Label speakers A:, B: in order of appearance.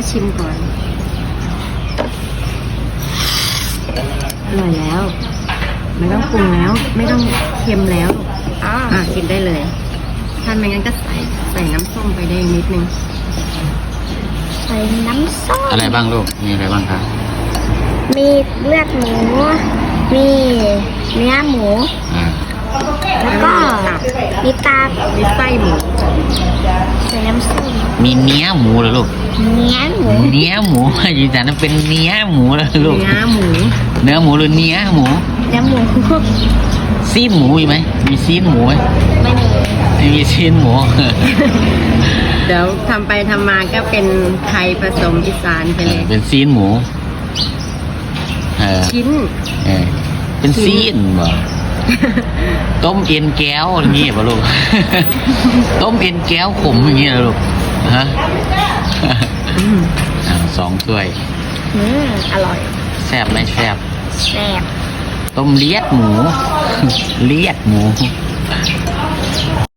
A: ชิมก่อนอร่อยแล้วไม่ต้องปรุงแล้วไม่ต้องเค็มแล้วกินได้เลยถ้าไม่งั้นก็ใส่น้ำส้มไปได้นิดนึง
B: ใส่น้ำส้ม
C: อะไรบ้างลูกมีอะไรบ้างครับ
B: มีเลือดหมูมีเนื้อหมูแล้วก็มีตับ
A: มีไส้หมู
B: ใส่น้ำส้ม
C: มีเนื้อหมูเหรอลูก
B: เนื้อหมู
C: ยืนยันว่าเป็นเนื้อหมูเลยลูก
A: เนื้อหมู
C: หรือเนื้อหมูซีนหมูมีไหมมีซีนหมูไหมไม่มีซีนหมู
A: เดี๋ยวทำไปทำมาก็เป็นไทยผสมอีสานไปเลย
C: เป็นซีนหมู
A: ชิ้น
C: เป็นซีนบ่ต้มเอ็นแก้วอย่างนี้ป่ะลูก ต้มเอ็นแก้วขมอย่างนี้นะลูกฮะ2 ถ้วย
B: อร่อย
C: แซ่บไหมแซ่บ
B: ต้ม
C: เลียดหมู